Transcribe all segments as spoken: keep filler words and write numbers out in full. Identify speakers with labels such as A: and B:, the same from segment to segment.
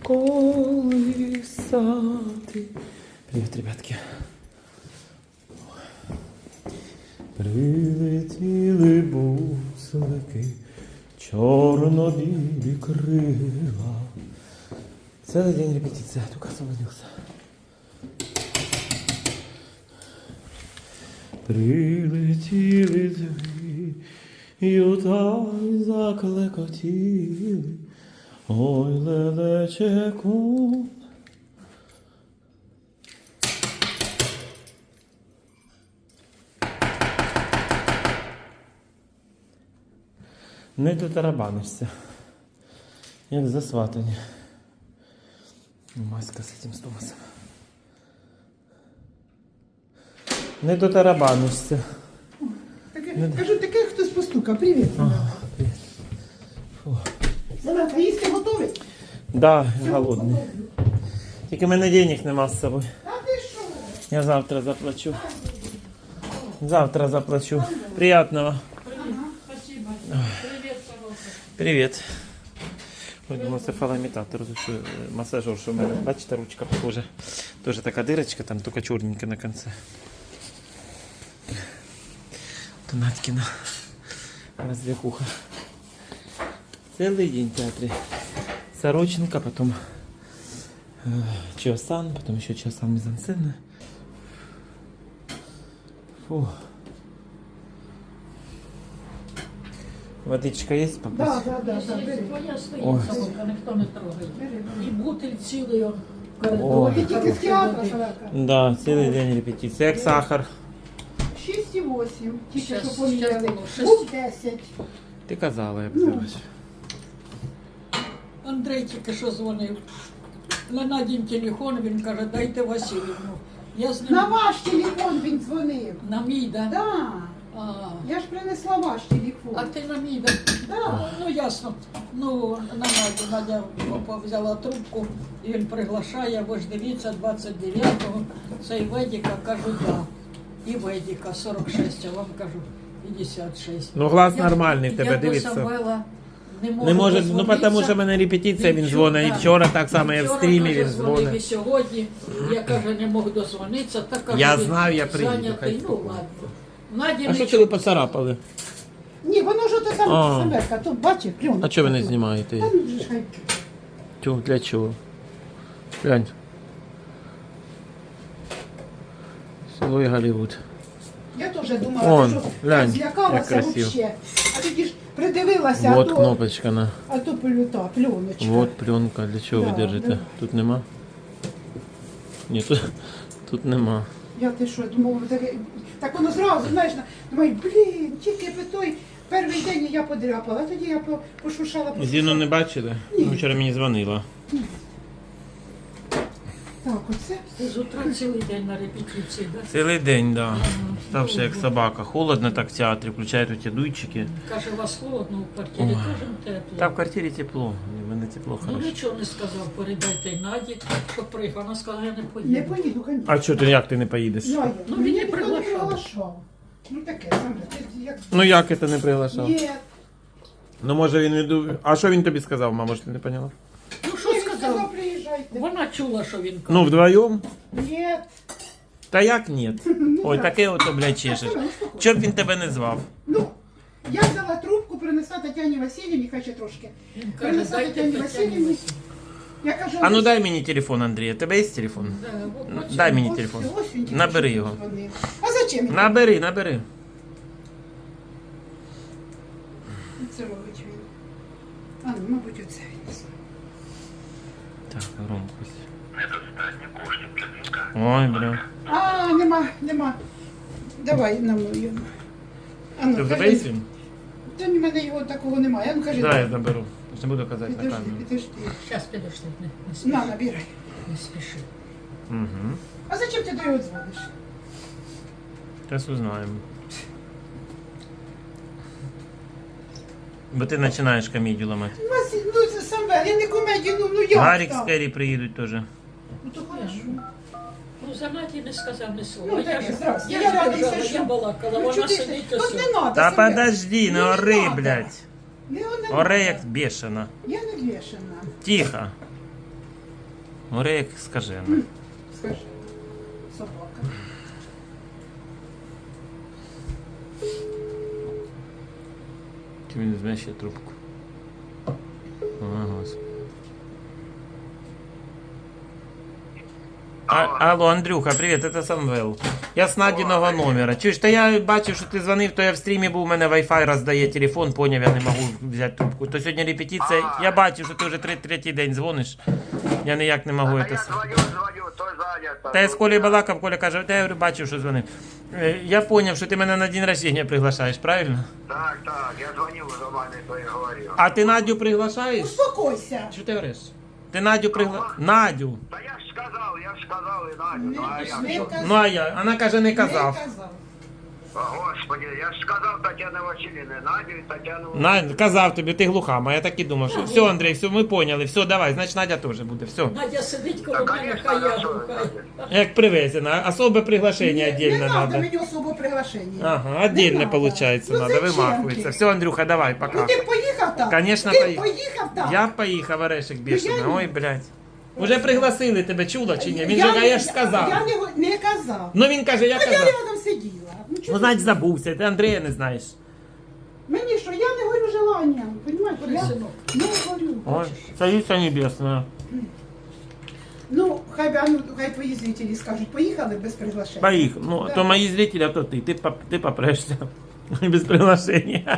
A: колисати. Привіт, ребятки. Прилетіли буслики, чорно-білі крила. Целый день репетиция, только освободился. Прилетіли зві, юта й заклекотіли, ой, лелечеку. Не дотарабанишся, як засватані. Маска з цим Томасом. Не дотарабанишся.
B: Таке, кажу, таке хтось постукав. Привіт.
A: Ага, привіт. Фу.
B: Салат, їсти готовий?
A: Да, я голодний. Тільки в мене денег нема з собою.
B: А ти що?
A: Я завтра заплачу. Завтра заплачу. Приятного.
C: Спасибо. Привет, пожалуйста.
A: Привіт. Ой, думаю, це фалоімітатор, що масажер, що в мене, бачите, ручка похожа. Тоже така дирочка, там тільки чорненька на кінці. Донаткіна розв'яхуха. Цілий день в театрі. Сороченко, потом э, Чосан, потом еще Чосан мизансцена. Фу. Водичка есть попить?
B: Да, да, да, да. бери.
C: Твоя
A: Ой.
C: стоїть собака, ніхто не трогає. І бутиль цілий он в
A: Ой.
C: коридорі.
B: Ти тільки з театру, Салака.
A: Да, цілий день репетиція. Як сахар.
B: шість і вісім. Тільки
C: Щас,
B: що поміняли.
C: щас було шість.
B: Був десять.
A: Ти казала, я б
C: Андрей тільки що дзвонив. На Надін телефон, він каже, дайте Васильівну. Я з ним...
B: На ваш телефон він дзвонив.
C: На мій, да?
B: Да.
C: А,
B: Я ж принесла ваш телефон.
C: а ти на мій, да?
B: Да.
C: Ну, ясно. Ну, на Надю, Надя взяла трубку, і він приглашає, ви ж дивіться, двадцять дев'ятого, це і Ведіка, кажу, да. І Ведіка, сорок шість, а вам кажу, п'ятдесят шість.
A: Ну, глас
C: Я-
A: нормальний, в тебе
C: я до
A: дивиться.
C: Самвела не можу
A: Не може, ну
C: дозвонитися.
A: тому що в мене репетиція, він
C: Він
A: дзвонить. І
C: чув,
A: вчора так само, я в
C: Вчора,
A: стрімі,
C: каже,
A: він
C: дзвонив і
A: дзвонить.
C: сьогодні, я, каже, не можу дозвонитися, так каже,
A: Я
C: він
A: знаю, я приїду,
C: зайнятий.
A: хай
C: Ну,
A: спокійно.
C: ладно. Наді
A: А що
C: не
A: це ви поцарапали?
B: Ні, воно ж ото
A: А.
B: саме Самверка. Тут бачиш, пленка.
A: А чого ви не знімаєте?
B: Та ну ж хай.
A: Тю, для чого? Глянь. Село і Голлівуд.
B: Я теж думала,
A: Вон,
B: що
A: глянь,
B: злякалася
A: як красиво.
B: вообще. А тоді ж придивилася,
A: Вот
B: а то,
A: кнопочка на.
B: а то плюта, пленочка.
A: Вот пленка. Для чого
B: Да,
A: ви держите?
B: да.
A: Тут нема? Ні, тут, тут нема.
B: Я ти що, думав, таке, так воно зразу, знаєш, на- думаю, блін, тільки би той перший день я подряпала, а тоді я по- пошушала, пошушала.
A: Зіну не бачили?
B: Ні.
A: Ну, вчора мені дзвонила.
B: Так, оце.
C: Ти з утра цілий день на репетиції, да?
A: Цілий день, да. Ставши як собака. Холодно так в театрі, включають оті дуйчики.
C: Каже, у вас холодно в квартирі,
A: Ой.
C: теж тепло.
A: Та в квартирі тепло. У мене тепло
C: Ну
A: хорошо.
C: нічого не сказав, передайте й Наді, що приїхав. Вона сказала, я не поїду.
B: Не поїду, звісно.
A: А що ти, як ти не поїдеш?
B: Я, я.
C: Ну,
B: Мені
C: він не
B: ніхто
C: приглашав.
B: приглашав. Ну таке, саме, ти як...
A: Ну як це не приглашав?
B: Ні,
A: Ну може він іду. А що він тобі сказав, мама, що ти не поняла?
C: Ну що
B: він
C: сказав?
B: сказав, приїжджайте.
C: Вона чула, що він каже.
A: Ну, вдвоєм?
B: Ні.
A: Та як ні? Ой, таке ото, блядь, чешеш. Чоб він тебе не звав?
B: Ну, я взяла трубку, принесла Тетяні Васильівні, хай ще трошки.
C: Він каже,
B: Принесла
C: дайте
B: Тетяні
C: Тетяні
B: Васильівні.
C: Васильівні.
B: Я кажу,
A: А ну
B: ось-
A: дай мені телефон, Андрій. У тебе є телефон?
C: Да, от
A: Ну,
C: бачиш,
A: дай мені
B: ось-
A: телефон.
B: ось він тільки
A: Набери
B: що
A: його.
B: дзвонив. А зачем? він?
A: Набери, набери.
B: Це робить він. А, ну, мабуть, оце він.
A: Так, громкость.
D: Недостатньо коштів для дзвінка.
A: Ой, бля.
B: А, нема, нема. Давай на мою. А ну,
A: Ти в тебе
B: кажи.
A: є він?
B: Та в мене його такого немає. А ну кажи.
A: Да, я заберу. Я ж не буду казати на
B: Підожди,
A: камеру.
B: підожди.
C: Щас підожди, не, не спіши.
B: На, набирай.
C: Не спіши.
A: Угу.
B: А зачем ти до його дзвониш?
A: Зараз узнаємо. Бо ти починаєш комедію ламати.
B: Василь, ну це саме, я не комедію, ну, ну як
A: Гарік з
B: так?
A: Керрі приїдуть теж.
B: Ну то хорошо.
C: Ну, за Наді не сказав ні слова.
B: Ну,
C: я
B: таке,
C: ж,
B: здрасте.
C: я
B: Я
C: ж
B: радий,
C: держала,
B: що-
C: я балакала,
B: Ну,
C: вона
B: чого ти-
C: сидить
B: От
C: ось.
B: не надо,
A: Та
B: Семен.
A: подожди, не
B: Ну,
A: ори,
B: надо.
A: блядь.
B: Не, не
A: Оре
B: надо.
A: як бешена.
B: Я не вішана.
A: Тихо. Орек, скажи. ну.
B: Скажи. Собака.
A: Чи він візьме ще трубку? Ага, господи. А, алло, Андрюха, привіт, це Самвел. Я з Надіного номера. Чуєш, та я бачив, що ти дзвонив, то я в стрімі був, у мене Wi-Fi роздає телефон, поняв, я не можу взяти трубку. То сьогодні репетиція, я бачив, що ти вже три- третій день дзвониш. Я ніяк не можу.
D: А
A: це
D: я
A: с-
D: звоню, звоню, то зайнято.
A: Та я з Колею балакав, Коля каже, та я говорю, бачив, що дзвонив. Е, Я поняв, що ти мене на день рождения приглашаєш, правильно?
D: Так, так, я звонил за вами, то и говорил.
A: А ти Надю приглашаєш?
B: Успокойся.
A: Що ти говориш? Ти Надю пригла... Надю.
D: Да я ж сказал, я ж сказал и Надю, ну а я
B: Не
D: что?
B: казав.
A: Ну а я, вона каже, не казав.
B: Не казав.
D: О, Господи, я ж сказал Татьяне Васильевне, Надю и Татьяну...
A: На, казав тобі, ти глухама, я так і думав, що все, Андрій, все, ми поняли, все, давай, значить Надя теж буде, все.
C: Надя сидить
D: Да,
C: коло мене,
D: конечно,
C: хай я
D: хорошо,
C: гукаю.
D: Надя.
A: Як привезено, особе приглашення
B: Не
A: отдельно
B: надо
A: надо.
B: мені особо приглашення.
A: Ага, отдельно
B: Не надо.
A: получается
B: Ну,
A: надо,
B: зачем
A: вимахується.
B: ти?
A: Все, Андрюха, давай,
B: Ну
A: пока.
B: ти б поїхав так?
A: Конечно,
B: ти
A: поїхав.
B: поїхав так?
A: Я поїхав, орешек
B: Ну, я
A: бешений,
B: ні.
A: ой, блядь. Уже пригласили тебе, чула чи ні? Він
B: Я
A: же, а
B: не-
A: я ж сказав.
B: Я не, го- не казав.
A: Ну він каже, я
B: А я
A: казав.
B: рядом сиділа. Ну,
A: Ну,
B: чого
A: значить, забувся, ти Андрія не знаєш.
B: Мені що, я не горю желанням, понимаєш? Я
C: Синок.
B: не горю.
A: Ой, царица небесна.
B: Ну, хай, би, а ну, хай твої зрителі скажуть, поїхали без приглашення.
A: Поїхав. Ну,
B: Да.
A: то мої зрителі, а то ти. Ти, поп- ти попрешся. Без приглашення.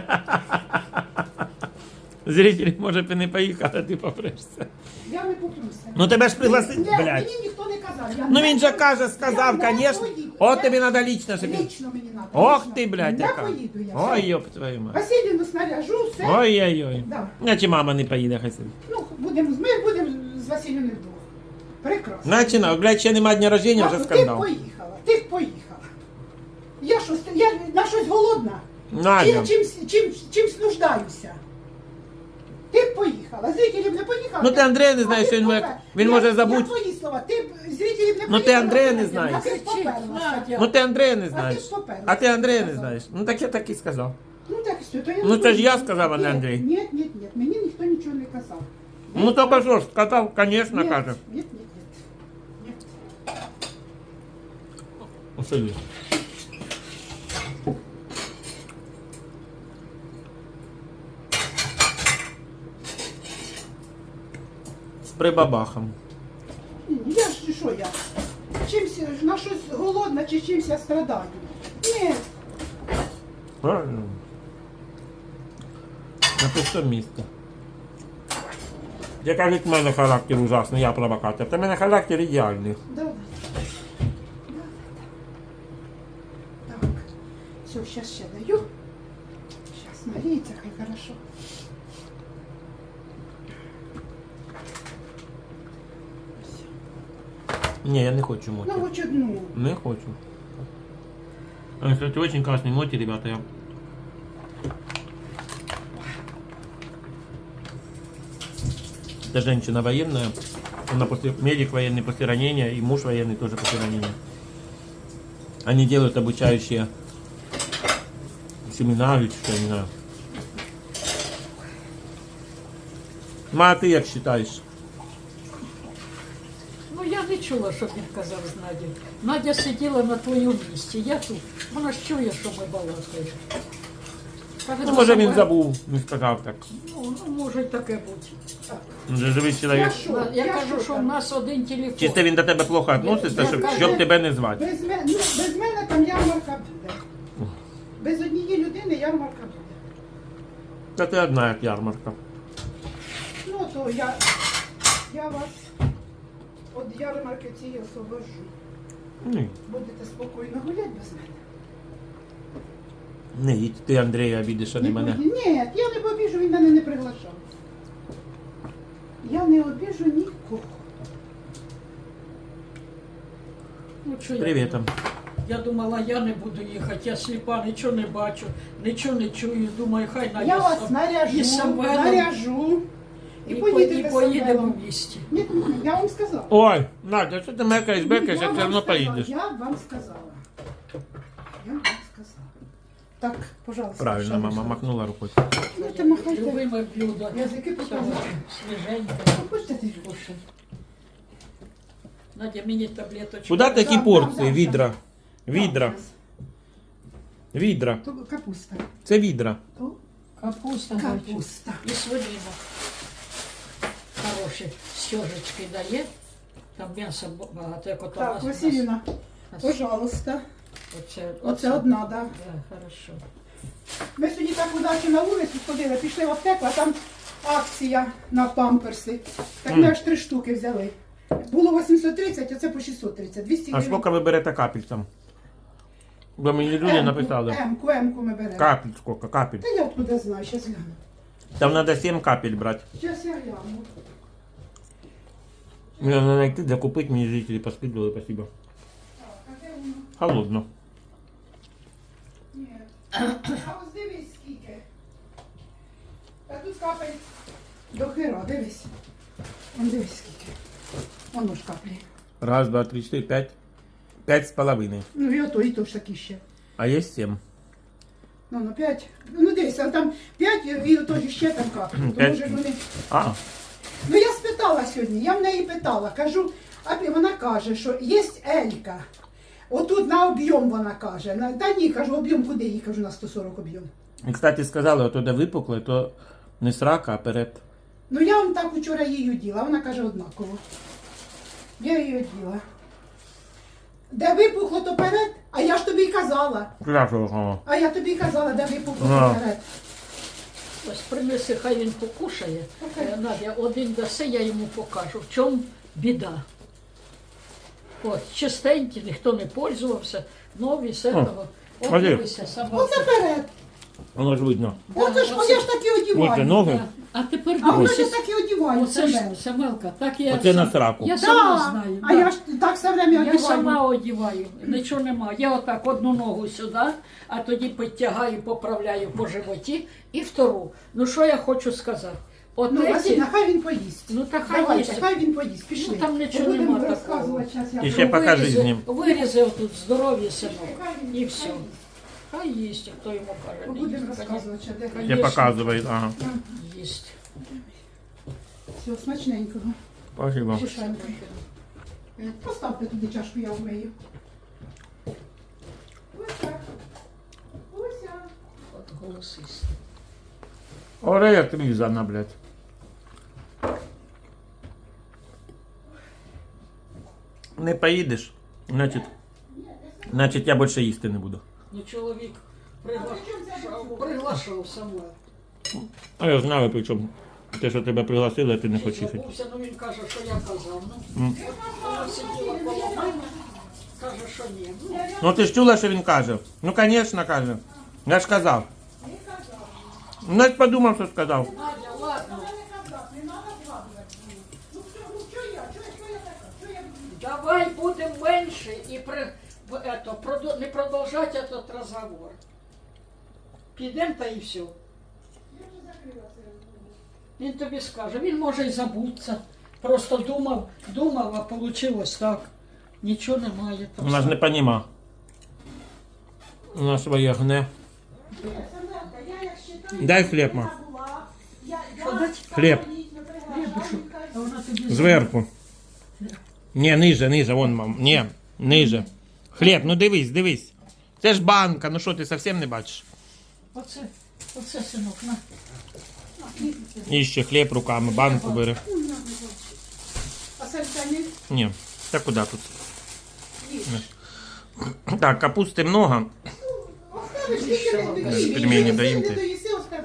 A: Зрителі, може, б і не поїхали, а ти попрешся.
B: Я не попруся.
A: Ну тебе ж пригласили,
B: Ні,
A: блядь.
B: мені ніхто не казав. Я
A: Ну
B: не
A: він же
B: поїду.
A: каже, сказав,
B: Я не
A: конечно.
B: поїду.
A: От
B: Я-
A: тобі треба лічно собі.
B: Лично мені треба.
A: Ох
B: лично.
A: ти, блядь,
B: Не
A: яка.
B: поїду я.
A: Ой,
B: все.
A: йоп твою мать.
B: Василівну снаряжу, все.
A: Ой-ой-ой.
B: Да.
A: Значить мама не поїде, хай собі.
B: Ну, будемо, ми будемо з Василівною вдвох. Прекрасно.
A: Значить, на, блядь, ще нема дня рождення, вже
B: Ти б
A: скандал.
B: поїхала, ти б поїхала. Я що, я на щось голодна?
A: Надя.
B: Чим, чим, чим, чимсь нуждаюся? Ти б поїхала, зрителів не поїхала.
A: Ну, ти Андрея не знаєш,
B: А ти
A: що він
B: попер-
A: може- він
B: Я-
A: може
B: Я
A: забути.
B: твої слова, ти б зрителів не поїхала.
A: Ну, ти Андрея не
B: я
A: знаєш.
B: б поперлася.
C: Надя.
A: Ну ти Андрея не
B: А
A: знаєш.
B: ти поперлася,
A: А ти Андрея не
B: сказав.
A: знаєш. Ну так я так і сказав.
B: Ну так що, то я
A: Ну,
B: не
A: це ж я
B: поїду.
A: сказав, а не
B: Ні,
A: Андрій.
B: Ні, ні, ні, мені ніхто нічого не казав.
A: Ну то що ж, сказав, звісно,
B: Ні,
A: каже.
B: ні, ні, ні. Ні.
A: Усиди. З прибабахом.
B: Ні, Я ж що я? Чимсь на щось голодна чи чимсь я страдаю? Ні,
A: Правильно. На пусте місце. Я кажуть, в мене характер ужасний, я провокатор. Та в мене характер ідеальний.
B: давай. Так, все, сейчас ще даю. Сейчас налейте, хай хорошо.
A: Ні, я не хочу моті.
B: Ну, хоч одну.
A: Не хочу. А, кстати, очень классные моти, ребята. Я... Это женщина военная. Она после, медик военный после ранения, и муж военный тоже после ранения. Они делают обучающие семена или что, я не знаю. Ма, а ты как считаешь?
C: Ну я не чула, щоб він казав з Надю. Надя сиділа на твоєму місці, я тут. Вона ж чує, що ми балакаємо. Каже,
A: Ну, може він
C: саме-
A: забув, не сказав так.
C: Ну, ну, може й таке бути.
A: Він же живий чоловік.
B: Я що?
C: Я,
B: Я
C: кажу,
B: що
C: що в
B: там?
C: нас один телефон.
A: Чисто він до тебе плохо відноситься,
C: Я
A: щоб,
C: кажу-
A: щоб тебе не звати.
B: Без мене, ну, без мене там ярмарка буде. Без однієї людини ярмарка буде.
A: Та ти одна як ярмарка.
B: Ну, то я, я вас від ярмарки цієї освобожу.
A: Ні.
B: Будете спокійно гуляти без мене.
A: Не їдь, ти Андрія обідиш, а не мене.
B: буду- Ні, я не побіжу, він мене не приглашав. Я не обіжу нікого.
C: Ну, що я
A: Привіт.
C: думала? Я думала, я не буду їхати, я сліпа, нічого не бачу, нічого не чую. Думаю, хай Надя
B: Я вас
C: сам-
B: наряжу,
C: і Самвелом,
B: наряжу. І,
C: і,
B: поїдете
C: по- і
B: з
C: поїдемо
B: Самвелом.
C: в місті.
B: Ні, ні, я вам сказала.
A: Ой, Надя, що ти мекаєш, бекаєш,
B: Я
A: як все
B: вам
A: одно
B: сказала,
A: поїдеш.
B: Я вам сказала. Я вам сказала. Так, пожалуйста.
A: Правильно,
B: що
A: мама
B: можна?
A: махнула рукою.
B: Ну, ти махайте.
C: Любиме блюдо.
B: Язики
C: Цього
B: показують.
C: свіженьке.
B: Хочете ти?
C: Кушай. Надя, мені таблеточку.
A: Куди такі
B: Дам,
A: порції?
B: дам, дам,
A: Відра. Відра. Відра.
B: То капуста.
A: Це відра.
B: То
C: Капуста, мальчик.
B: капуста.
C: І свинина. Хороші стежечки дає. Там м'яса багато, як ото
B: Так,
C: нас-
B: Василівна,
C: нас-
B: пожалуйста.
C: Оце,
B: Оце одна, так. Да.
C: Да, хорошо.
B: Ми сьогодні так удачі на вулицю ходили, пішли в аптеку, а там акція на памперси. Так ми
A: Мгм.
B: аж три штуки взяли. Було вісімсот тридцять, а це по шістсот тридцять. двісті
A: А
B: гривень.
A: скільки ви берете капель там? Бо мені люди
B: Емку,
A: написали.
B: Емку, емку ми беремо.
A: Капель скільки, капель.
B: Та я откуда знаю, зараз гляну.
A: Там треба сім капель брати.
B: Зараз я гляну.
A: Мені треба знайти, де купити, мені жителі поскидували, спасибо.
B: Так, а де воно?
A: Холодно.
B: Ні. А ось дивись скільки. А тут капель до хера, дивись. Вон дивись скільки. Воно ж каплі.
A: Раз, два, три, чотири, п'ять. П'ять з половиною.
B: Ну і ото, і то ж такі ще.
A: А є сім.
B: Ну, ну п'ять. Ну дивись, а там п'ять і ото ж ще там каплі. Тому
A: П'ять.
B: ж вони...
A: А,
B: Ну я спитала сьогодні, я в неї питала, кажу, а вона каже, що є Елька. Отут на об'єм вона каже. На- Та ні, кажу, об'єм куди їй, кажу, на сто сорок об'єм.
A: і, кстати, сказали, ото де випукле, то не срака, а перед.
B: Ну я вам так вчора її оділа, вона каже однаково. Я її оділа. Де випухло, то перед, а я ж тобі й казала.
A: Пляшого.
B: А я тобі й казала, де випухло,
A: А.
B: то перед.
C: Ось принеси, хай він покушає.
B: Окей.
C: Е, Надя, один даси, я йому покажу. В чому біда? От, чистенькі, ніхто не пользувався, нові, з этого. От
A: Валер.
C: дивися, собака.
B: Оце перед.
A: Воно ж видно.
B: Оце ж,
C: оце-
B: я ж так і
A: Оце
B: одіваю.
A: ноги.
C: А тепер
B: А вони ж
C: дивися.
B: так і одіваю
C: Оце ж
B: себе.
C: Самелка, так я
A: Оце на
C: сам-
A: сраку.
C: Я
B: Да,
C: сама знаю.
B: а
C: да.
B: я ж так все время
C: Я
B: одіваю.
C: сама одіваю, нічого нема. Я отак одну ногу сюди, а тоді підтягаю, поправляю по животі і втору. Ну що я хочу сказати? От
B: Ну,
C: эти-
B: Василь, хай він поїсть.
C: Ну, та хай
B: Давайте,
C: їсть.
B: хай він поїсть. Пішли.
C: Ну, там нічого
B: Будемо
C: нема
B: розказувати,
C: такого.
B: щас я
A: І ще
B: пробую.
A: покажи
C: Вирізи-
A: з ним.
C: Вирізи отут здоров'я, синок.
B: Хай він
C: І
B: їсть,
C: все.
B: хай їсть.
C: Хай їсть, хто йому каже. не
B: Будемо
C: їсть.
B: розказувати, що де.
A: Я
C: Конечно.
A: показую, ага.
C: Їсть.
B: Все, смачненького.
A: Спасибо.
B: Шишенько. Поставте туди чашку, я вмию. Ось так. Ось так.
C: От голосист.
A: Оре як різана, блядь. Не поїдеш, значить, значить я більше їсти не буду.
C: Ну, чоловік приглашав, приглашав Самвел.
A: А я знаю, причому те, що тебе пригласили, а ти не хочеш їхати.
C: Забувся, ну він каже, що я казав. Ну,
A: М.
C: вона сиділа коло мене, каже, що ні. Ну,
A: Ну ти ж чула, що він каже? Ну, звісно, каже. Я ж казав. Ну, я ж подумав, що сказав.
C: Надя, ладно, давай будемо менше і при, в, ето, продо- не продовжати этот розговор. Підемо та і все. Він тобі скаже, він може й забутися. Просто думав, думав, а вийшло так. Нічого немає. там
A: Вона ж не поніма. Вона своє гне. Дай хліб, ма.
C: Що дать?
A: Хліб.
C: А вона тобі
A: Зверху. Ні, ниже, ниже, вон, мам. Ні, ниже. Хліб, ну дивись, дивись. Це ж банка, ну що, ти зовсім не бачиш?
C: Оце, оце, синок, на.
A: І ще хліб руками, банку бери.
B: А сальцями?
A: Ні, та куди тут? Так, капусти много.
B: Оставиш, тільки не доїси.
A: Пельмені
B: Не
A: доїм ти.
B: доїси, остав.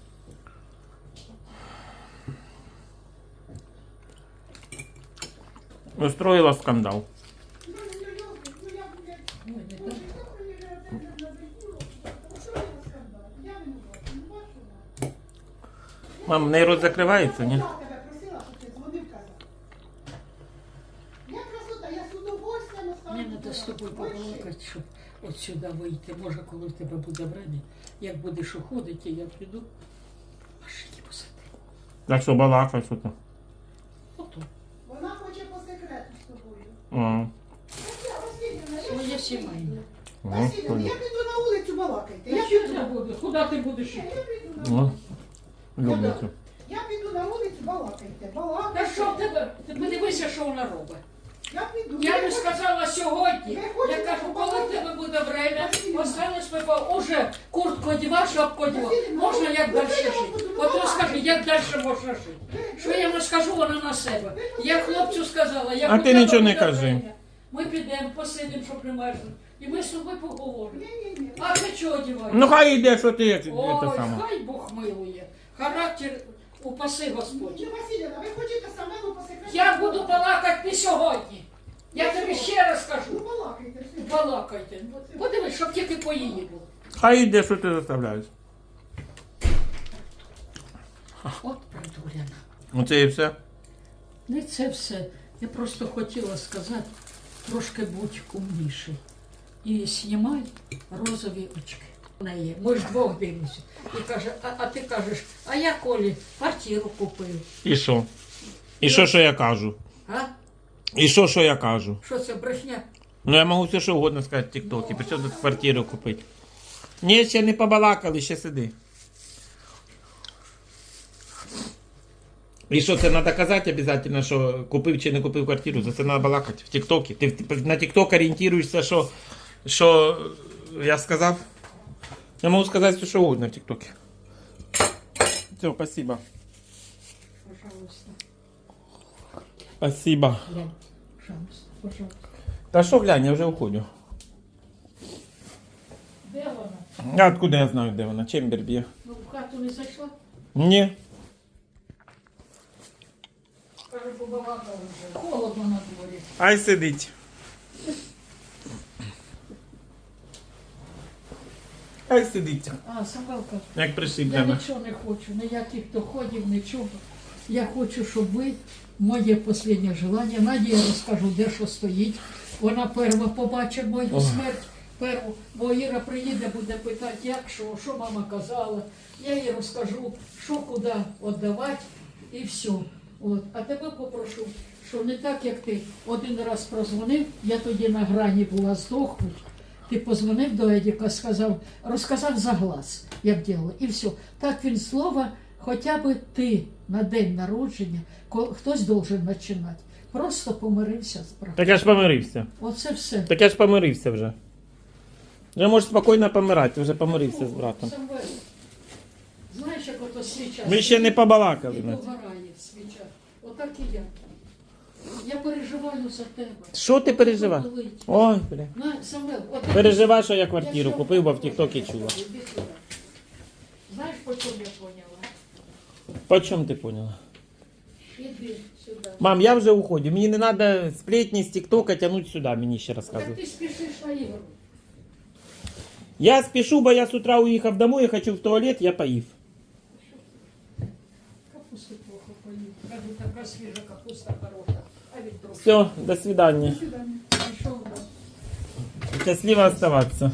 A: Устроїла скандал. Мам, в неї рот закривається, ні?
B: Я тебе просила, щоб ти дзвонив, казав. Я красота, я з удовольствием оставлю.
C: Мені треба з тобою побалакати, щоб от сюди вийти. Може, коли в тебе буде время, як будеш уходити, я піду. Машині посади.
A: Так що балакай, що ти.
C: Ото.
B: Вона хоче по секрету з тобою.
A: Ага.
B: Василівна, я
C: Своє сімейне.
B: Василівна, я піду на вулицю балакайте. Я
C: Я що
B: піду.
C: ти будеш? Куди ти будеш йти?
B: Я піду на
A: О, люблю.
B: Я піду на вулицю балакайте.
C: Та
B: Балакайте.
C: що в тебе? Ти подивися, що вона робить.
B: Я піду.
C: Я
B: Ви
C: не
B: хочете-
C: сказала сьогодні.
B: Ви
C: Я
B: хочете
C: кажу, коли в
B: побалакати?
C: тебе буде время,
B: Василівна.
C: останеш ми по- уже куртку одівав, шапку одівав.
B: Василівна,
C: Можна як
B: ну,
C: далі
B: ви
C: жити?
B: я вам буду
C: От
B: балакати.
C: розкажи, як далі можна жити? Що я не скажу, вона на себе. Я хлопцю сказала, я
A: А ти нічого не кажи.
C: Ми підемо, посидимо, щоб не мерзли. І ми з тобою поговоримо.
B: Ні-ні-ні.
C: А ти чого одіваєш?
A: Ну хай йде, що ти це
C: Ой,
A: саме.
C: хай Бог милує. Характер упаси Господь.
B: Чи Василівна, ви хочете самому по секрету?
C: Я буду балакати не сьогодні. Я тобі ще раз
B: Ну,
C: кажу.
B: балакайте. все.
C: Балакайте. Подивись, щоб тільки по її було.
A: Хай йде, що ти заставляєш.
C: От придуряна.
A: Оце і все.
C: Не це все. Я просто хотіла сказати, трошки будь умніший. І знімай розові очки. В неї. Ми ж двох дивимося. І каже, а, а ти кажеш, а я Колі квартиру купив.
A: І що? І що, що я кажу?
C: А?
A: І що, що я кажу?
C: Що це, брехня?
A: Ну я можу все, що угодно сказати в тіктокі. При чому тут квартиру купити? Ні, ще не побалакали, ще сиди. І що, це треба казати обов'язково, що купив чи не купив квартиру? За це треба балакати в тіктокі. Ти в- на тікток орієнтуєшся, що, що я сказав? Я можу сказати все, що угодно в тіктокі. Все, спасибо.
C: Пожалуйста.
A: Спасибо.
C: Глянь. Пожалуйста, пожалуйста.
A: Та що глянь, я вже уходю.
C: Де вона?
A: А откуда я знаю, де вона? Чембер б'є?
C: Ну, в хату не зайшла?
A: Ні.
C: Каже, побалакала вже. Холодно на дворі.
A: Ай сидить. Ай сидить.
C: А, Самвелка,
A: Як
C: я
A: пришиблена.
C: нічого не хочу, ніяких доходів, нічого. Я хочу, щоб ви, моє останнє желання, Наді я розкажу, де що стоїть. Вона перша побачить мою
A: Ой.
C: смерть. Перву, бо Іра приїде, буде питати, як, що, що мама казала. Я їй розкажу, що куди віддавати і все. От. А тебе попрошу, що не так, як ти один раз прозвонив, я тоді на грані була здохнуть. Ти позвонив до Едіка, сказав, розказав за глаз, як діло, і все. Так він слово, хоча б ти на день народження, ко- хтось должен починати. Просто помирився з братом.
A: Так я ж помирився.
C: Оце все.
A: Так я ж помирився вже. Вже можеш спокійно помирати, ти вже помирився з братом.
C: Самвел, знаєш, як ото свіча.
A: Ми ще не побалакали.
C: І
A: Надь.
C: догорає свіча. Отак і я. Я переживаю за тебе.
A: Що ти переживаєш?
C: Болить.
A: Ой, бля.
C: На, Самвел, от
A: Переживай, що я квартиру
C: Якщо-
A: купив, бо в тіктокі чула.
C: Іди сюди. Знаєш, по чому я поняла?
A: По чому ти поняла?
C: Іди сюди.
A: Мам, я вже уходю. Мені не треба сплетні з тіктока тягнути сюди, мені ще
C: Так
A: розказують.
C: ти спішиш на ігру.
A: Я спішу, бо я з утра уїхав домой, я хочу в туалет, я поїв.
C: Капусти плохо поїв. Кажу, така свіжа капуста хороша. А він трохи.
A: Все, до свидання.
C: Пішов, да.
A: Счастливо оставаться.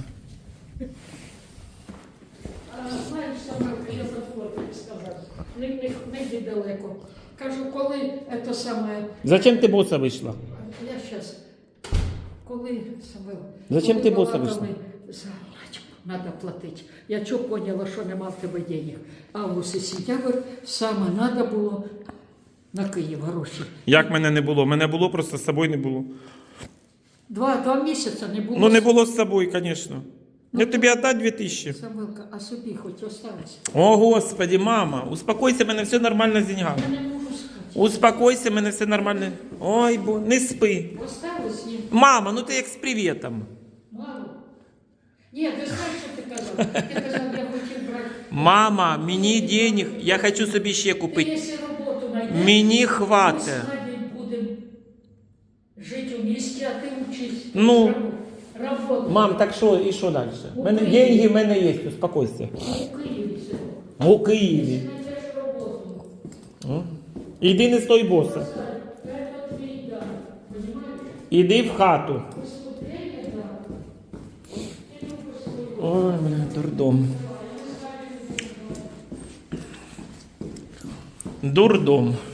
C: А, знаєш, Самвел, я забула тобі сказати. Не, не, не йди далеко. Кажу, коли це саме...
A: Зачем ти боса вийшла?
C: Я сейчас. Коли, Самвел,
A: Зачем
C: коли
A: ти боса
C: балакали,
A: вийшла?
C: за начку надо платити. Я чого поняла, що нема в тебе денег. Август і сентябрь саме треба було на Київ гроші.
A: Як мене не було? Мене було, просто з собою не було.
C: Два, два місяці не було.
A: Ну не було з собою, звісно. Я тобі віддати дві тисячі.
C: Самвелка, а собі хоч осталось.
A: О, Господи, мама, успокойся, мене все нормально з деньгами.
C: Я не можу спати.
A: Успокойся, мене все нормально. Ой, бо не спи.
C: Осталось їм
A: Мама, ну ти як з привітом.
C: мало. Ні, ти знаєш, що ти казав? Ти казав, я хотів брати.
A: Мама, мені денег, я хочу собі ще
C: Ти,
A: купити.
C: якщо роботу знайдеш,
A: Мені
C: ми
A: хватить.
C: з Надією будемо жити у місті, а ти вчись.
A: Ну.
C: Роботу.
A: Мам, так що і що далі? У мене деньги в мене є, успокойся.
C: У Києві сьогодні.
A: У Києві.
C: Знайдеш роботу.
A: О. Іди не стой боса.
C: Це твій дар. Понімаєш?
A: Іди в хату.
C: Поступлення дар.
A: Ой, бля, дурдом. Дурдом.